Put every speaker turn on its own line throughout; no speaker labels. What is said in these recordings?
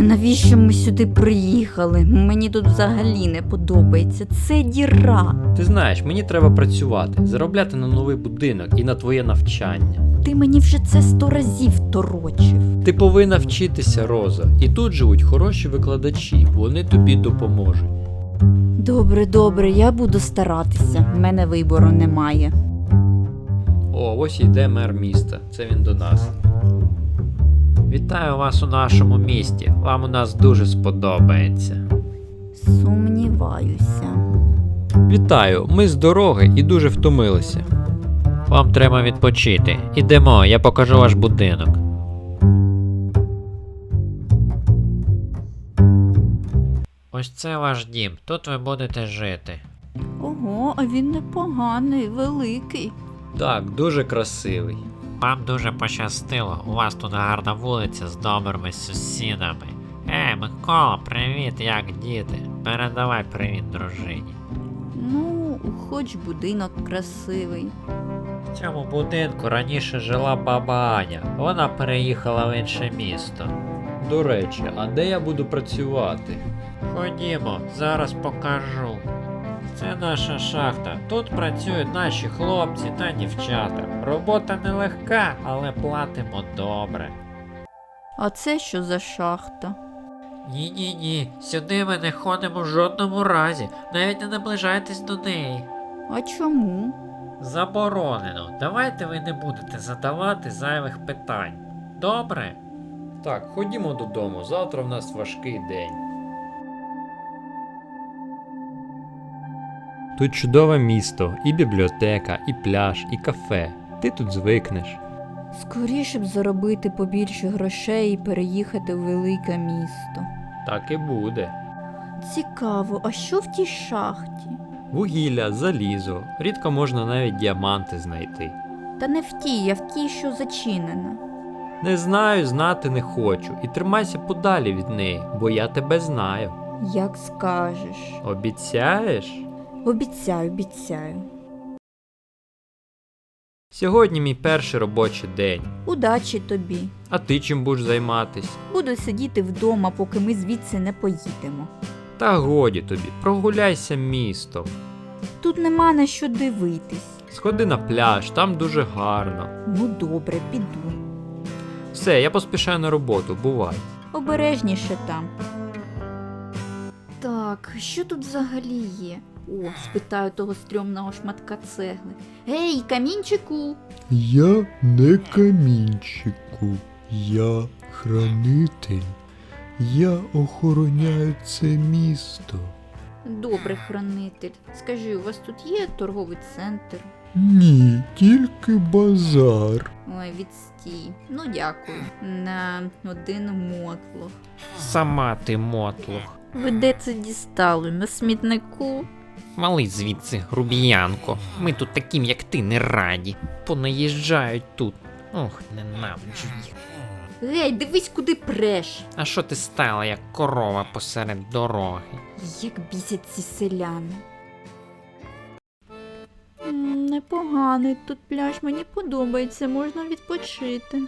Навіщо ми сюди приїхали? Мені тут взагалі не подобається. Це діра.
Ти знаєш, мені треба працювати, заробляти на новий будинок і на твоє навчання.
Ти мені вже це 100 разів торочив.
Ти повинна вчитися, Роза. І тут живуть хороші викладачі, вони тобі допоможуть.
Добре, я буду старатися. В мене вибору немає.
О, ось йде мер міста. Це він до нас. Вітаю вас у нашому місті. Вам у нас дуже сподобається.
Сумніваюся.
Вітаю, ми з дороги і дуже втомилися. Вам треба відпочити. Ідемо, я покажу ваш будинок. Ось це ваш дім, тут ви будете жити.
Ого, а він непоганий, великий.
Так, дуже красивий.
Вам дуже пощастило, у вас тут гарна вулиця з добрими сусідами. Микола, привіт, як діти? Передавай привіт дружині.
Ну, хоч будинок красивий.
В цьому будинку раніше жила баба Аня, вона переїхала в інше місто.
До речі, а де я буду працювати?
Ходімо, зараз покажу. Це наша шахта. Тут працюють наші хлопці та дівчата. Робота нелегка, але платимо добре.
А це що за шахта?
Ні, сюди ми не ходимо в жодному разі, навіть не наближайтесь до неї.
А чому?
Заборонено. Давайте ви не будете задавати зайвих питань. Добре?
Так, ходімо додому, завтра в нас важкий день. Тут чудове місто, і бібліотека, і пляж, і кафе. Ти тут звикнеш.
Скоріше б заробити побільше грошей і переїхати в велике місто.
Так і буде.
Цікаво, а що в тій шахті?
Вугілля, залізо, рідко можна навіть діаманти знайти.
Та не в тій, а в тій, що зачинена.
Не знаю, знати не хочу. І тримайся подалі від неї, бо я тебе знаю.
Як скажеш.
Обіцяєш?
Обіцяю.
Сьогодні мій перший робочий день.
Удачі тобі.
А ти чим будеш займатись?
Буду сидіти вдома, поки ми звідси не поїдемо.
Та годі тобі, прогуляйся містом.
Тут нема на що дивитись.
Сходи на пляж, там дуже гарно.
Ну добре, піду.
Все, я поспішаю на роботу, бувай.
Обережніше там. Так, що тут взагалі є? О, спитаю того стрьомного шматка цегли. Гей, камінчику!
Я не камінчику, я хранитель. Я охороняю це місто.
Добре, хранитель. Скажи, у вас тут є торговий центр?
Ні, тільки базар.
Ой, відстій. Ну дякую. На один мотлох.
Сама ти мотлох.
Ви де це дістали? На смітнику?
Вали звідси, грубіянко. Ми тут таким, як ти, не раді. Понаїжджають тут. Ох, ненавиджу їх.
Гей, дивись, куди преш.
А що ти стала, як корова посеред дороги?
Як бісять ці селяни. Непоганий тут пляж, мені подобається, можна відпочити.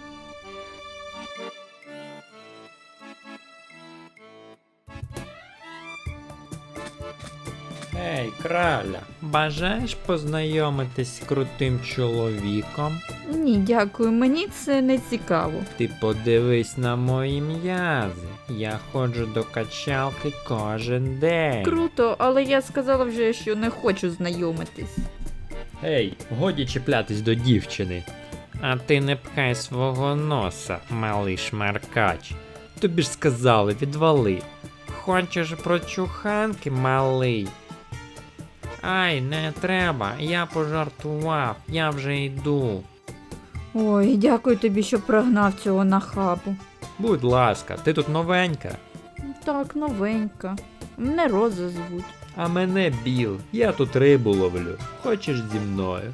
Ей, краля, бажаєш познайомитись з крутим чоловіком?
Ні, дякую, мені це не цікаво.
Ти подивись на мої м'язи. Я ходжу до качалки кожен день.
Круто, але я сказала вже, що не хочу знайомитись.
Ей, годі чіплятись до дівчини.
А ти не пхай свого носа, малий шмаркач.
Тобі ж сказали, відвали.
Хочеш прочуханки, малий? Ай, не треба, я пожартував, я вже йду.
Ой, дякую тобі, що прогнав цього нахабу.
Будь ласка, ти тут новенька.
Так, новенька. Мене Роза звуть.
А мене Біл, я тут рибу ловлю. Хочеш зі мною?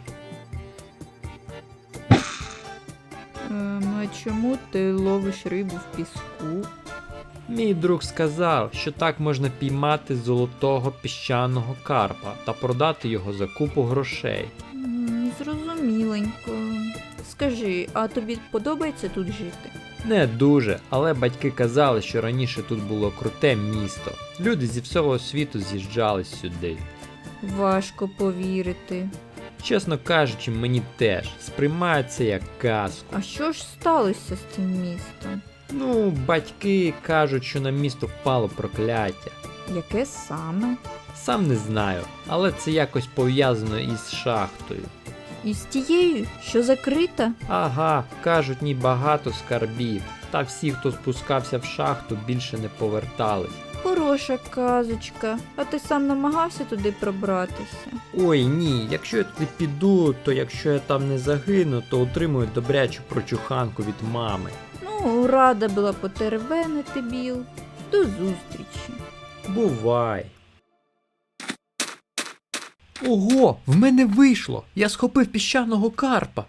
А чому ти ловиш рибу в піску?
Мій друг сказав, що так можна піймати золотого піщаного карпа та продати його за купу грошей.
Зрозуміленько. Скажи, а тобі подобається тут жити?
Не дуже, але батьки казали, що раніше тут було круте місто. Люди зі всього світу з'їжджались сюди.
Важко повірити.
Чесно кажучи, мені теж сприймаю це як казку.
А що ж сталося з цим містом?
Ну, батьки кажуть, що на місто впало прокляття.
Яке саме?
Сам не знаю, але це якось пов'язано із шахтою.
І з тією, що закрита?
Ага, кажуть, ні багато скарбів. Та всі, хто спускався в шахту, більше не повертались.
Хороша казочка. А ти сам намагався туди пробратися?
Ой, ні, якщо я туди піду, то якщо я там не загину, то отримую добрячу прочуханку від мами.
Ну, рада була потеревенити, Біл. До зустрічі.
Бувай. Ого, в мене вийшло! Я схопив піщаного карпа.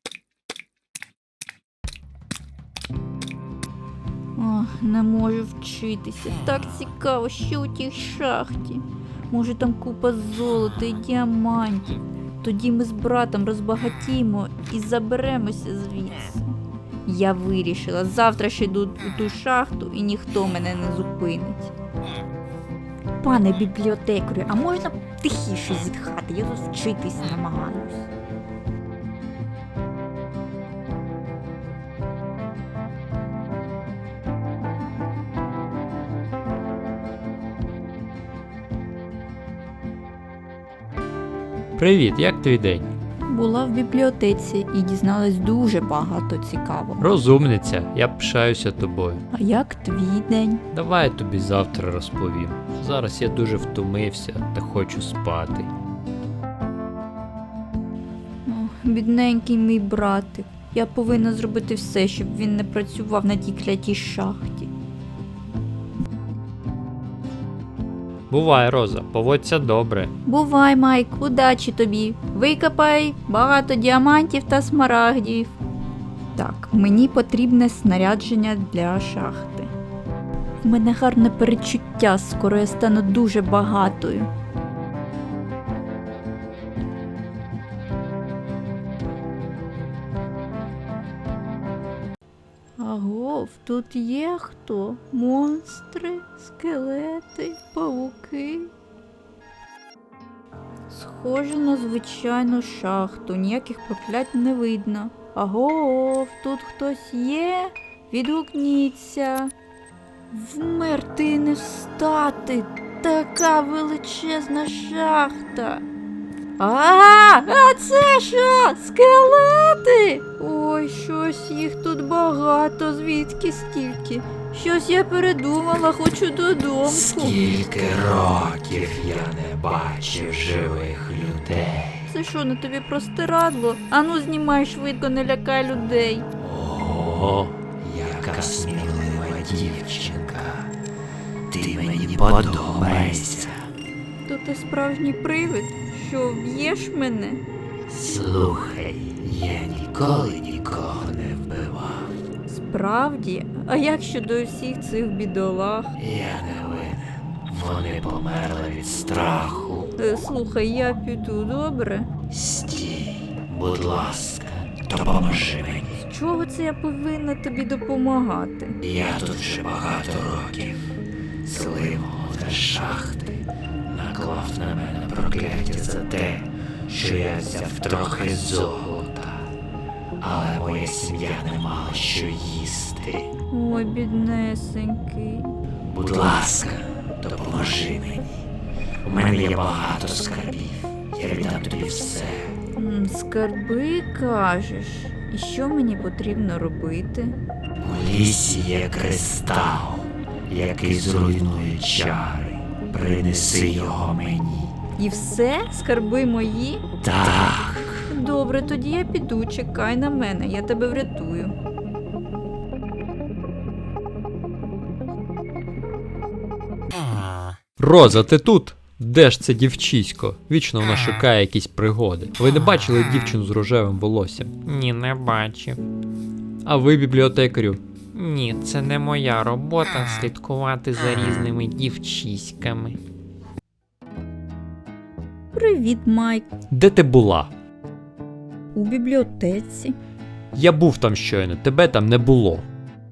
Ох, не можу вчитися. Так цікаво, що у тій шахті. Може там купа золота і діамантів. Тоді ми з братом розбагатіємо і заберемося звідси. Я вирішила, завтра ще йду у ту шахту і ніхто мене не зупинить. Пане бібліотекарю, а можна тихіше зітхати? Я тут вчитись намагаюсь.
Привіт, як твій день?
Була в бібліотеці і дізналась дуже багато цікавого.
Розумниця, я пишаюся тобою.
А як твій день?
Давай я тобі завтра розповім. Зараз я дуже втомився та хочу спати.
О, бідненький мій братик. Я повинна зробити все, щоб він не працював на тій клятій шахті.
Бувай, Роза, поводься добре.
Бувай, Майк, удачі тобі. Викопай багато діамантів та смарагдів. Так, мені потрібне снарядження для шахти. В мене гарне передчуття, скоро я стану дуже багатою. Агов, тут є хто? Монстри, скелети, павуки. Схоже на звичайну шахту, ніяких проклять не видно. Агов, тут хтось є? Відгукніться. Вмерти і не встати. Така величезна шахта. А це що? Скелети? Ой, щось їх тут багато, звідки стільки? Щось я передумала, хочу додому.
Скільки років я не бачив живих людей.
Це що, на тобі простирадло? Ану, знімай швидко, не лякай людей.
О, яка смілива дівчинка. Ти мені подобаєшся.
То ти справжній привид? Що, вб'єш мене?
Слухай, я ніколи нікого не вбивав.
Справді? А як щодо всіх цих бідолах?
Я не винен. Вони померли від страху.
Слухай, я піду, добре?
Стій, будь ласка, допоможи мені.
З чого це я повинна тобі допомагати?
Я тут вже багато років. Зливого та шахти наклав на мене прокляття за те, що я взяв трохи золота. Але моя сім'я не мала що їсти.
Ой, біднесенький.
Будь ласка, допоможи мені. У мене є багато скарбів. Я віддам тобі все.
Скарби, кажеш? І що мені потрібно робити?
У лісі є кристал, який зруйнує чари. Принеси його мені.
І все? Скарби мої?
Так.
Добре, тоді я піду, чекай на мене, я тебе врятую.
Роза, ти тут? Де ж це дівчисько? Вічно вона шукає якісь пригоди. Ви не бачили дівчину з рожевим волоссям?
Ні, не бачив.
А ви, бібліотекарю?
Ні, це не моя робота слідкувати за різними дівчиськами.
Привіт, Майк.
Де ти була?
У бібліотеці.
Я був там щойно, тебе там не було.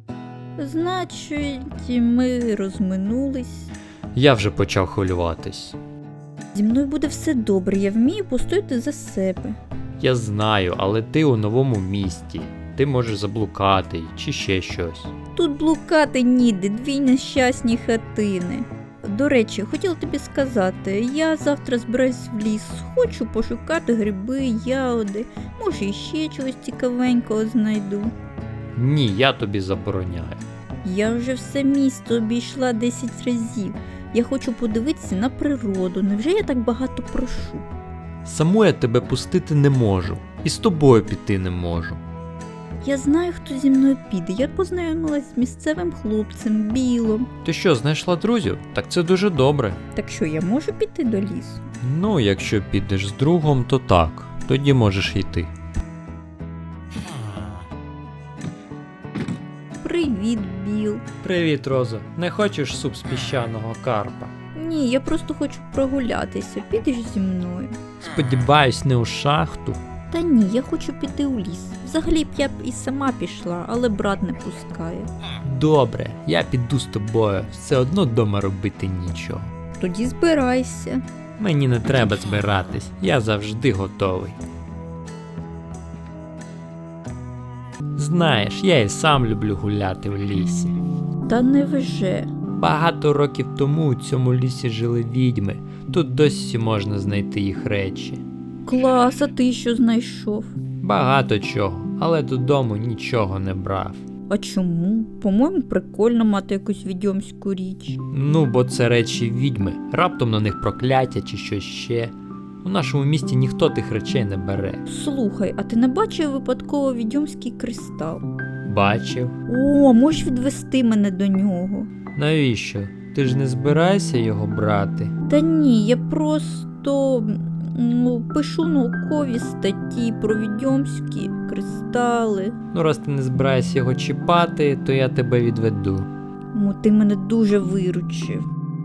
Значить, ми розминулись.
Я вже почав хвилюватись.
Зі мною буде все добре, я вмію постояти за себе.
Я знаю, але ти у новому місті. Ти можеш заблукати чи ще щось.
Тут блукати ніде, 2 нещасні хатини. До речі, хотіла тобі сказати, я завтра збираюсь в ліс, хочу пошукати гриби, ягоди, може іще чогось цікавенького знайду.
Ні, я тобі забороняю.
Я вже все місто обійшла 10 разів. Я хочу подивитися на природу, невже я так багато прошу?
Саму я тебе пустити не можу. І з тобою піти не можу.
Я знаю, хто зі мною піде, я познайомилась з місцевим хлопцем, Білом.
Ти що, знайшла друзів? Так це дуже добре.
Так що, я можу піти до лісу?
Ну, якщо підеш з другом, то так. Тоді можеш йти.
Привіт, Біл.
Привіт, Роза. Не хочеш суп з піщаного карпа?
Ні, я просто хочу прогулятися, підеш зі мною?
Сподіваюсь, не у шахту.
Та ні, я хочу піти у ліс. Взагалі б я б і сама пішла, але брат не пускає.
Добре, я піду з тобою. Все одно вдома робити нічого.
Тоді збирайся.
Мені не треба збиратись, я завжди готовий. Знаєш, я і сам люблю гуляти в лісі.
Та невже.
Багато років тому у цьому лісі жили відьми. Тут досі можна знайти їх речі.
Клас, а ти що знайшов?
Багато чого, але додому нічого не брав.
А чому? По-моєму, прикольно мати якусь відьомську річ.
Ну, бо це речі відьми, раптом на них прокляття чи щось ще. У нашому місті ніхто тих речей не бере.
Слухай, а ти не бачив випадково відьомський кристал?
Бачив?
О, можеш відвести мене до нього?
Навіщо? Ти ж не збираєшся його брати?
Та ні, я просто пишу наукові статті про відьомські кристали.
Ну, раз ти не збираєшся його чіпати, то я тебе відведу.
Ти мене дуже виручив.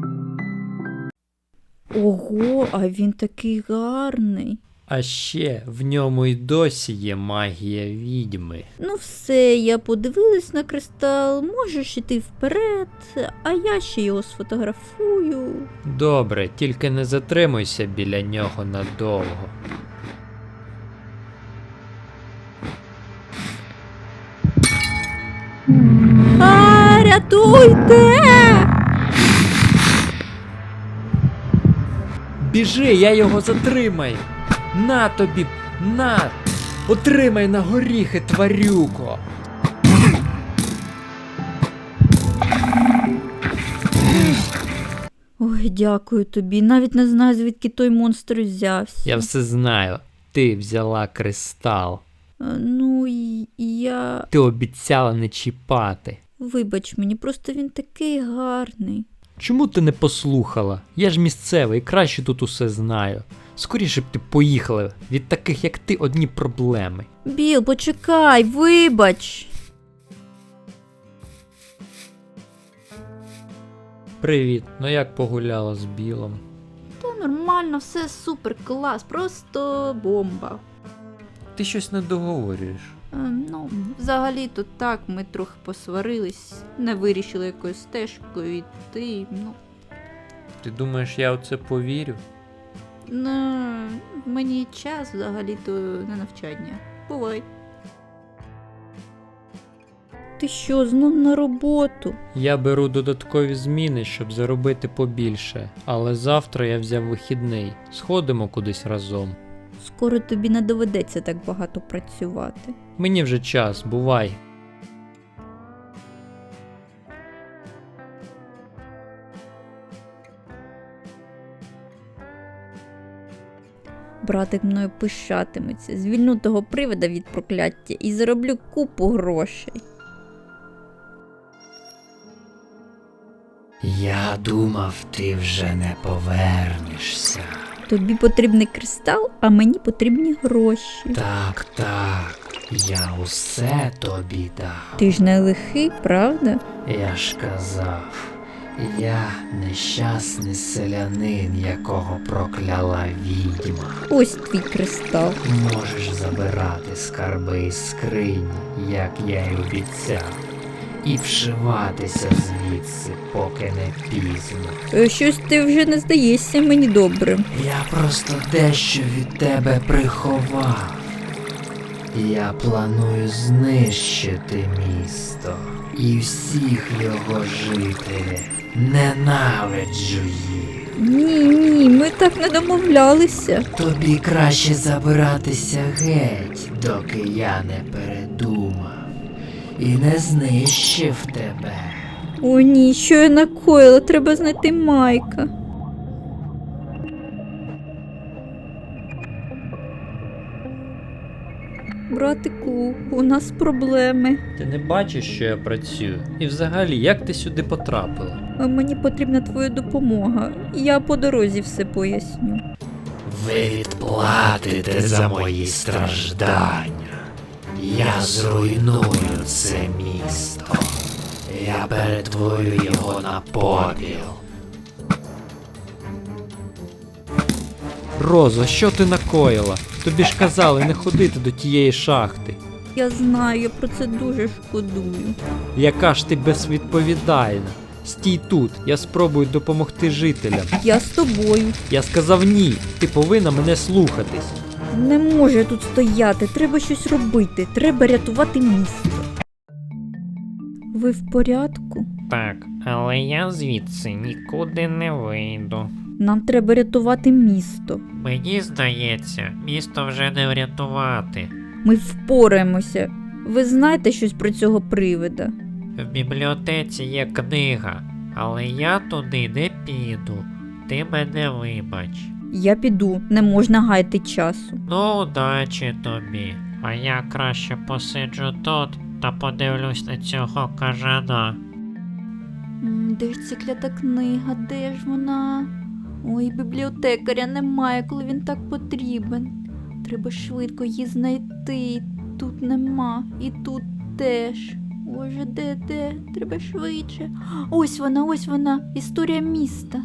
Ого, а він такий гарний.
А ще в ньому й досі є магія відьми.
Ну все, я подивилась на кристал, можеш іти вперед, а я ще його сфотографую.
Добре, тільки не затримуйся біля нього надовго.
Рятуйте!
Біжи, я його затримаю. На тобі, на! Отримай на горіхи, тварюко!
Ой, дякую тобі, навіть не знаю, звідки той монстр взявся.
Я все знаю. Ти взяла кристал.
Ну, я...
Ти обіцяла не чіпати.
Вибач мені, просто він такий гарний.
Чому ти не послухала? Я ж місцевий, краще тут усе знаю. Скоріше б ти поїхала, від таких як ти одні проблеми.
Біл, почекай, вибач.
Привіт, ну як погуляла з Білом?
Та нормально, все супер, клас, просто бомба.
Ти щось не договорюєш.
Ну, взагалі-то так, ми трохи посварились, не вирішили якоюсь стежкою йти, ну...
Ти думаєш, я в це повірю?
Ну, мені час взагалі-то на навчання. Бувай. Ти що, знов на роботу?
Я беру додаткові зміни, щоб заробити побільше, але завтра я взяв вихідний. Сходимо кудись разом.
Скоро тобі не доведеться так багато працювати.
Мені вже час, бувай.
Братик мною пишатиметься, звільну того привида від прокляття і зароблю купу грошей.
Я думав, ти вже не повернешся.
Тобі потрібний кристал, а мені потрібні гроші.
Так, я усе тобі дав.
Ти ж не лихий, правда?
Я ж казав, я нещасний селянин, якого прокляла відьма.
Ось твій кристал.
Можеш забирати скарби із скрині, як я й обіцяв. і вшиватися звідси, поки не пізно.
Щось ти вже не здаєшся мені добрим.
Я просто дещо від тебе приховав. Я планую знищити місто і всіх його жителів. Ненавиджу їх.
Ні, ми так не домовлялися.
Тобі краще забиратися геть, доки я не передумав і не знищив тебе.
О ні, що я накоїла, треба знайти Майка. Братику, у нас проблеми.
Ти не бачиш, що я працюю? І взагалі, як ти сюди потрапила?
Мені потрібна твоя допомога. Я по дорозі все поясню.
Ви відплатите за мої страждання. Я зруйную це місто. Я перетворю його на попіл.
Роза, що ти накоїла? Тобі ж казали не ходити до тієї шахти.
Я знаю, я про це дуже шкодую.
Яка ж ти безвідповідальна? Стій тут, я спробую допомогти жителям.
Я з тобою.
Я сказав ні, ти повинна мене слухатись.
Не можу я тут стояти, треба щось робити, треба рятувати місто. Ви в порядку?
Так, але я звідси нікуди не вийду.
Нам треба рятувати місто.
Мені здається, місто вже не врятувати.
Ми впораємося. Ви знаєте щось про цього привида?
В бібліотеці є книга, але я туди не піду. Ти мене вибач.
Я піду, не можна гаяти часу.
Ну, удачі тобі. А я краще посиджу тут та подивлюсь на цього кажана.
Де ж ця клята книга, де ж вона? Ой, бібліотекаря немає, коли він так потрібен. Треба швидко її знайти. Тут нема, і тут теж. Боже, де? Треба швидше. Ось вона, історія міста.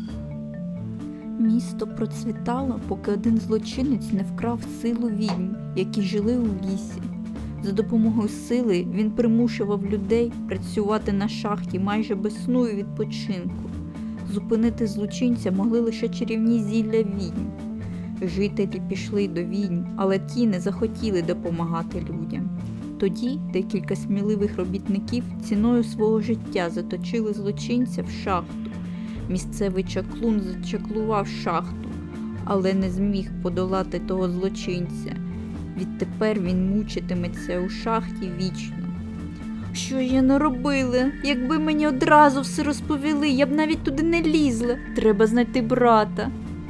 Місто процвітало, поки один злочинець не вкрав силу відьм, які жили у лісі. За допомогою сили він примушував людей працювати на шахті майже без сну і відпочинку. Зупинити злочинця могли лише чарівні зілля відьм. Жителі пішли до відьм, але ті не захотіли допомагати людям. Тоді декілька сміливих робітників ціною свого життя заточили злочинця в шахту. Місцевий чаклун зачаклував шахту, але не зміг подолати того злочинця. Відтепер він мучитиметься у шахті вічно. Що ж я наробила? Якби мені одразу все розповіли, я б навіть туди не лізла. Треба знайти брата.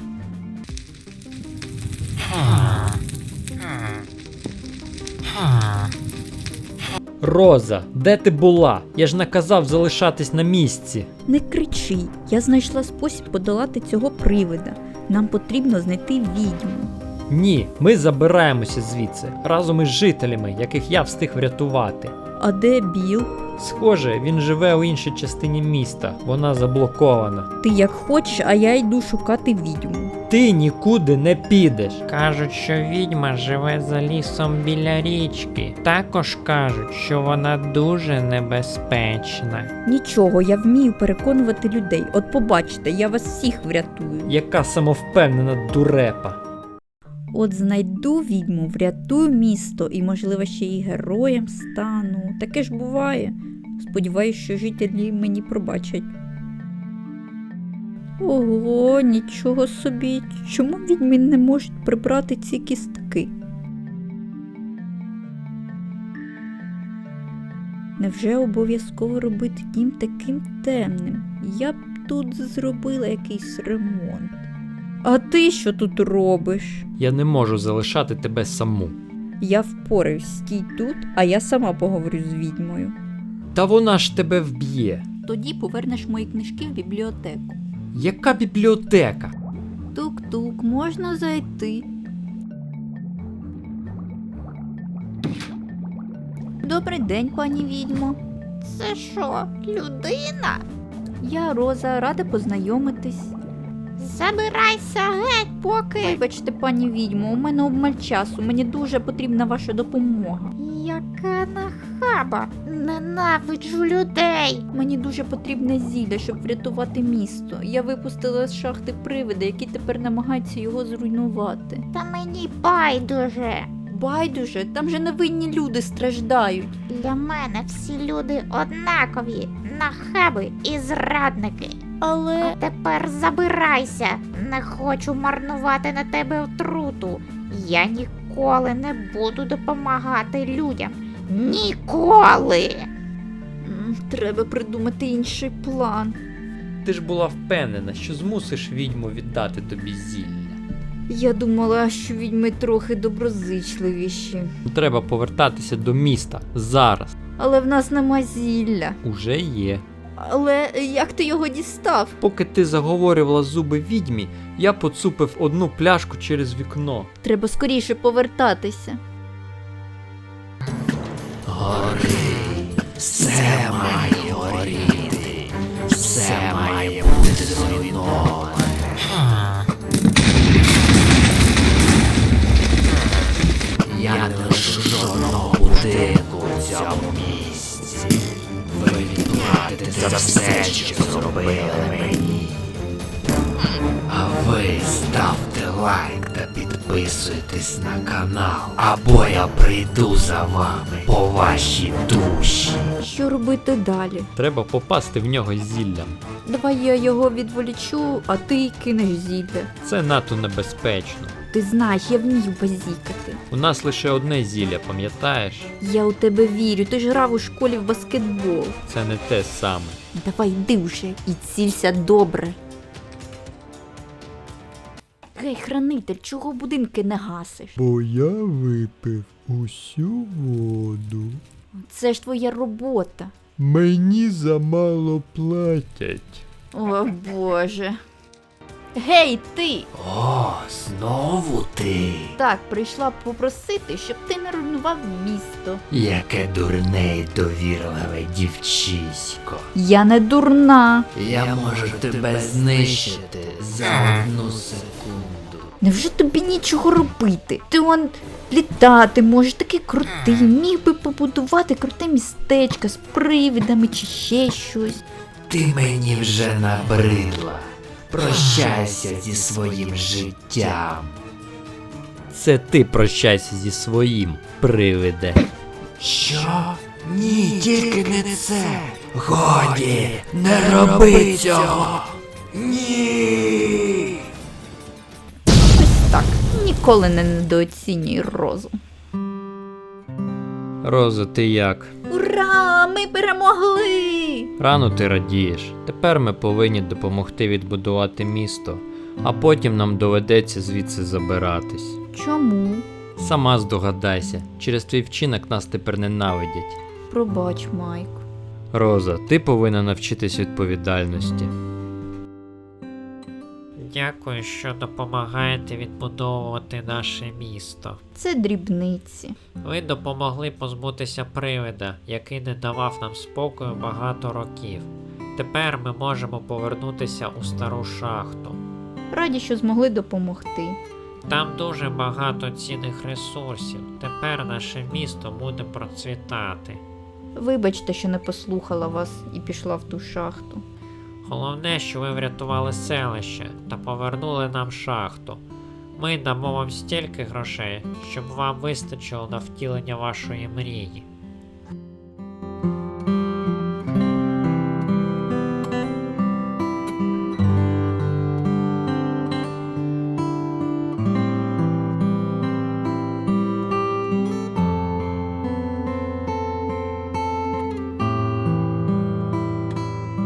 Роза, де ти була? Я ж наказав залишатись на місці.
Не кричи, я знайшла спосіб подолати цього привида. Нам потрібно знайти відьму.
Ні, ми забираємося звідси, разом із жителями, яких я встиг врятувати.
А де Біл?
Схоже, він живе у іншій частині міста, вона заблокована.
Ти як хочеш, а я йду шукати відьму.
Ти нікуди не підеш.
Кажуть, що відьма живе за лісом біля річки. Також кажуть, що вона дуже небезпечна.
Нічого, я вмію переконувати людей. От побачите, я вас всіх врятую.
Яка самовпевнена дурепа.
От знайду відьму, врятую місто і, можливо, ще й героєм стану. Таке ж буває. Сподіваюсь, що жителі мені пробачать. Ого, нічого собі. Чому відьми не можуть прибрати ці кістки? Невже обов'язково робити дім таким темним? Я б тут зробила якийсь ремонт. А ти що тут робиш?
Я не можу залишати тебе саму.
Я впораюсь, стій тут, а я сама поговорю з відьмою.
Та вона ж тебе вб'є.
Тоді повернеш мої книжки в бібліотеку.
Яка бібліотека?
Тук-тук, можна зайти. Добрий день, пані відьмо.
Це що, людина?
Я Роза, рада познайомитись.
Забирайся геть, поки.
Вибачте, пані відьмо, у мене обмаль часу, мені дуже потрібна ваша допомога.
Яка нахабна. нахаба. Ненавиджу людей.
Мені дуже потрібне зілля, щоб врятувати місто. Я випустила з шахти привида, які тепер намагаються його зруйнувати.
Та мені байдуже.
Байдуже, там же невинні люди страждають.
Для мене всі люди однакові. Нахаби і зрадники.
Але
Тепер забирайся. Не хочу марнувати на тебе отруту. Я ніколи не буду допомагати людям. Ніколи!
треба придумати інший план.
Ти ж була впевнена, що змусиш відьму віддати тобі зілля.
Я думала, що відьми трохи доброзичливіші.
Треба повертатися до міста зараз.
Але в нас нема зілля.
Уже є.
Але як ти його дістав?
Поки ти заговорювала зуби відьмі, я поцупив одну пляшку через вікно.
Треба скоріше повертатися.
Все має горіти, все має бути зруйноване. Я не лишу жодного будинку у цьому місці. Ви відплатите за все, що зробили мені. А ви ставте лайк та підписуйтесь на канал, або я прийду за вами по вашій душі.
Що робити далі?
Треба попасти в нього зіллям.
Давай я його відволічу, а ти кинеш зілля.
Це надто небезпечно.
Ти знаєш, я вмію базікати.
У нас лише одне зілля, пам'ятаєш?
Я у тебе вірю, ти ж грав у школі в баскетбол.
Це не те саме.
Давай йди вже і цілься добре. Гей, хранитель, чого будинки не гасиш?
Бо я випив усю воду.
Це ж твоя робота.
Мені замало платять.
О, Боже. Гей, ти!
О, знову ти.
Так, прийшла попросити, щоб ти не руйнував місто.
Яке дурне й довірливе дівчисько.
Я не дурна.
Я можу тебе знищити за 1 секунду.
Невже тобі нічого робити? Ти он літати можеш, такий крутий, міг би побудувати круте містечко з привидами чи ще щось.
Ти мені вже набридла. Прощайся зі своїм життям.
Це ти прощайся зі своїм, привиде.
Що? Ні, тільки не це. Годі, не роби цього. Ні.
Ось так, ніколи не недооцінюй розум.
Роза, ти як?
Ура! Ми перемогли!
Рано ти радієш. Тепер ми повинні допомогти відбудувати місто, а потім нам доведеться звідси забиратись.
Чому?
Сама здогадайся, через твій вчинок нас тепер ненавидять.
Пробач, Майк.
Роза, ти повинна навчитись відповідальності.
Дякую, що допомагаєте відбудовувати наше місто.
Це дрібниці.
Ви допомогли позбутися привида, який не давав нам спокою багато років. Тепер ми можемо повернутися у стару шахту.
Раді, що змогли допомогти.
Там дуже багато цінних ресурсів. Тепер наше місто буде процвітати.
Вибачте, що не послухала вас і пішла в ту шахту.
Головне, що ви врятували селище та повернули нам шахту. Ми дамо вам стільки грошей, щоб вам вистачило на втілення вашої мрії.